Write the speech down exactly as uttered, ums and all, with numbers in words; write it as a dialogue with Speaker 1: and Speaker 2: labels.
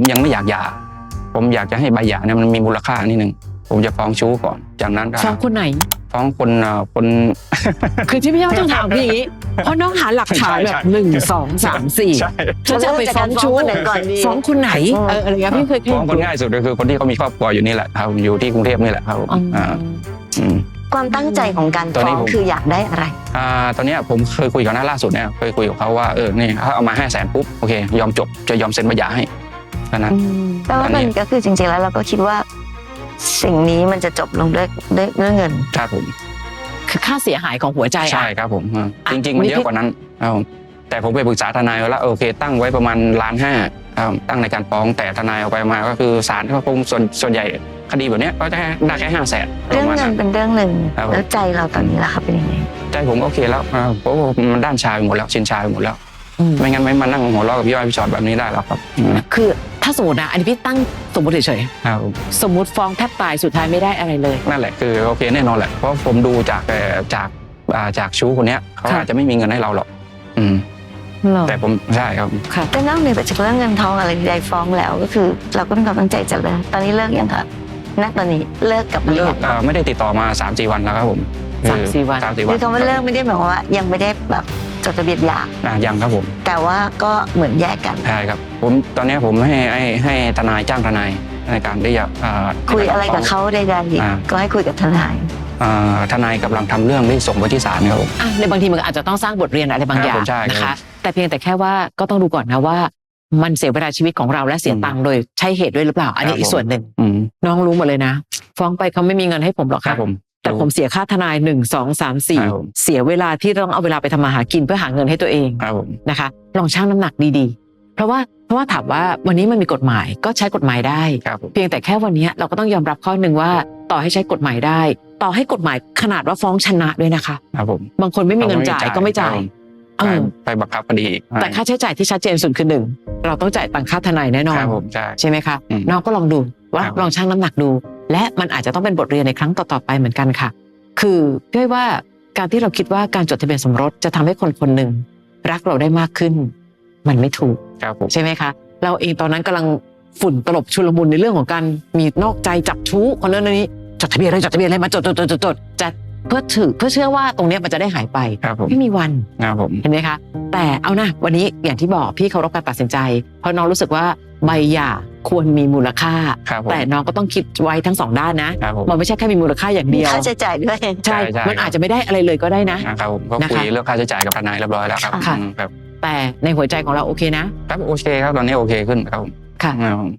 Speaker 1: ผมยังไม่อยากหย่าผมอยากจะให้ใบหย่าเนี่ยมันมีมูลค่านิดนึงผมจะฟ้องชู้ก่อนจากนั้นก็
Speaker 2: ฟ้องคนไหน
Speaker 1: ฟ้องคนคน
Speaker 2: คือที่พี่ต้องถามพี่อย่างนี้เพราะน้องหาหลักฐานแบบหนึ่งสองสามสี่ฉันจะไปฟ้องชู้ฟ้องคนไหนเอออะไรเงี้ยพี่เคยฟ้
Speaker 1: องคนง่ายสุดก็คือคนที่เขามีครอบครัวอยู่นี่แหละครับอยู่ที่กรุงเทพนี่แหละครับอ่า
Speaker 3: ความตั้งใจของการฟ้องคืออยากได้อะไร
Speaker 1: อ่าตอนนี้ผมเคยคุยกับน้าล่าสุดเนี่ยเคยคุยกับเขาว่าเออนี่ถ้าเอามาห้าแสนปุ๊บโอเคยอมจบจะยอมเซ็นใบหย่าให้แค่นั้น
Speaker 3: แปลว่ามันก็คือจริงๆแล้วเราก็คิดว่าสิ่งนี้มันจะจบลงด้วยด้วยเงิน
Speaker 1: ครับผม
Speaker 2: คือค่าเสียหายของหัวใจ
Speaker 1: ใช่ครับผมจริงๆมันเยอะกว่านั้นครับแต่ผมไปปรึกษาทนายแล้วโอเคตั้งไว้ประมาณล้านห้าตั้งในการฟ้องแต่ทนายเอาไปมาก็คือศาลก็คงส่วนส่วนใหญ่คดีแบบนี้ก็จะได้แค่ห้าแสน
Speaker 3: เรื่องเงินเป็นเรื่องหนึ่งแล้วใจเราตอนนี้ล่ะครับเป็นยังไง
Speaker 1: ใจผมโอเคแล้วเพราะมันด้านชายหมดแล้วชินชายหมดแล้วไม่งั้นไม่มานั่งหัวเราะกับพี่อ้อยพี่ชอตแบบนี้ได้หรอกครับ
Speaker 2: คือถ้าสมมตินะอันนี้พี่ตั้งสมมติเฉยๆสมมติฟ้องแทบตายสุดท้ายไม่ได้อะไรเลย
Speaker 1: นั่นแหละคือโอเคแน่นอนแหละเพราะผมดูจากจากจากชู้คนนี้เขาอาจจะไม่มีเงินให้เราหรอกอืมแต่ผมใช่ครับ
Speaker 3: แต่นอกเหนือจากเรื่องเงินทองอะไรใดฟ้องแล้วก็คือเราก็มีความตั้งใจจะเลิกตอนนี้เลิกยังคะณตอนนี้เลิกกับ
Speaker 1: เลิกไม่ได้ติดต่อมาสามสี่วันแล้วครับผม
Speaker 2: สามสี่วัน
Speaker 3: คือคำว่าเลิกไม่ได้หมายความว่ายังไม่ได้แบบจดทะเบียนหย่า
Speaker 1: ยังครับผม
Speaker 3: แต่ว่าก็เหมือนแยกกัน
Speaker 1: ใช่ครับผมตอนนี้ผมให้ให้ให้ทนายจ้างทนายในการที่จะ
Speaker 3: คุยอะไรกับเขาใดๆก็ให้คุยกับทนาย
Speaker 1: ทนายกำลังทำเรื่องที่ส่งไปที่ศาลครับผม
Speaker 2: ในบางทีมันอาจจะต้องสร้างบทเรียนอะไรบางอย่างนะคะแต่เพียงแต่แค่ว่าก็ต้องดูก่อนนะว่ามันเสียเวลาชีวิตของเราและเสียตังค์โดยใช่เหตุด้วยหรือเปล่าอันนี้อีกส่วนหนึ่งน้องรู้หมดเลยนะฟ้องไปเขาไม่มีเงินให้ผมหรอกครับแต่ผมเสียค่าทนายหนึ่งสองสามสี่เสียเวลาที่ต้องเอาเวลาไปทำมาหากินเพื่อหาเงินให้ตัวเองนะคะลองชั่งน้ำหนักดีๆเพราะว่าเพราะว่าถามว่าวันนี้มันมีกฎหมายก็ใช้กฎหมายได้เพียงแต่แค่วันนี้เราก็ต้องยอมรับข้อหนึ่งว่าต่อให้ใช้กฎหมายได้ต่อให้กฎหมายขนาดว่าฟ้องชนะด้วยนะคะบางคนไม่มีเงินจ่ายก็ไม่จ่าย
Speaker 1: ไปบังคับคดี
Speaker 2: แต่ค่าใช้จ่ายที่ชัดเจนสุดคือหนึ่งเราต้องจ่ายตังค่าทนายแน่นอนใช่ไหมคะน้องก็ลองดูว่าลองชั่งน้ำหนักดูและมันอาจจะต้องเป็นบทเรียนในครั้งต่อๆไปเหมือนกันค่ะคือพี่ว่าการที่เราคิดว่าการจดทะเบียนสมรสจะทำให้คนคนหนึ่งรักเราได้มากขึ้นมันไม่ถูกใช่ไหมคะเราเองตอนนั้นกำลังฝุ่นตลบชุลมุนในเรื่องของการมีนอกใจจับชู้คนนั้นนี้จดทะเบียนอะไรจดทะเบียนอะไรมาจดจดจดจดจดจะเพื่อถือเพื่อเชื่อว่าตรงนี้มันจะได้หายไปไม่มีวันเห็นไหมคะแต่เอานะวันนี้อย่างที่บอกพี่เคารพการตัดสินใจเพราะน้องรู้สึกว่าใบหย่าควรมีมูลค่าแต่น้องก็ต้องคิดไว้ทั้งสองด้านนะมันไม่ใช่แค่มีมูลค่าอย่างเดียว
Speaker 3: ค่าใช้จ่ายด้วย
Speaker 2: ใช่มันอาจจะไม่ได้อะไรเลยก็ได้นะครับ
Speaker 1: ผมก็คุยเรื่องค่าใช้จ่ายกับทนายเรียบร้อยแล้วครับ
Speaker 2: แต่ในหัวใจของเราโอเคนะครับ
Speaker 1: โอเคครับตอนนี้โอเคขึ้นครับ
Speaker 2: ค่ะ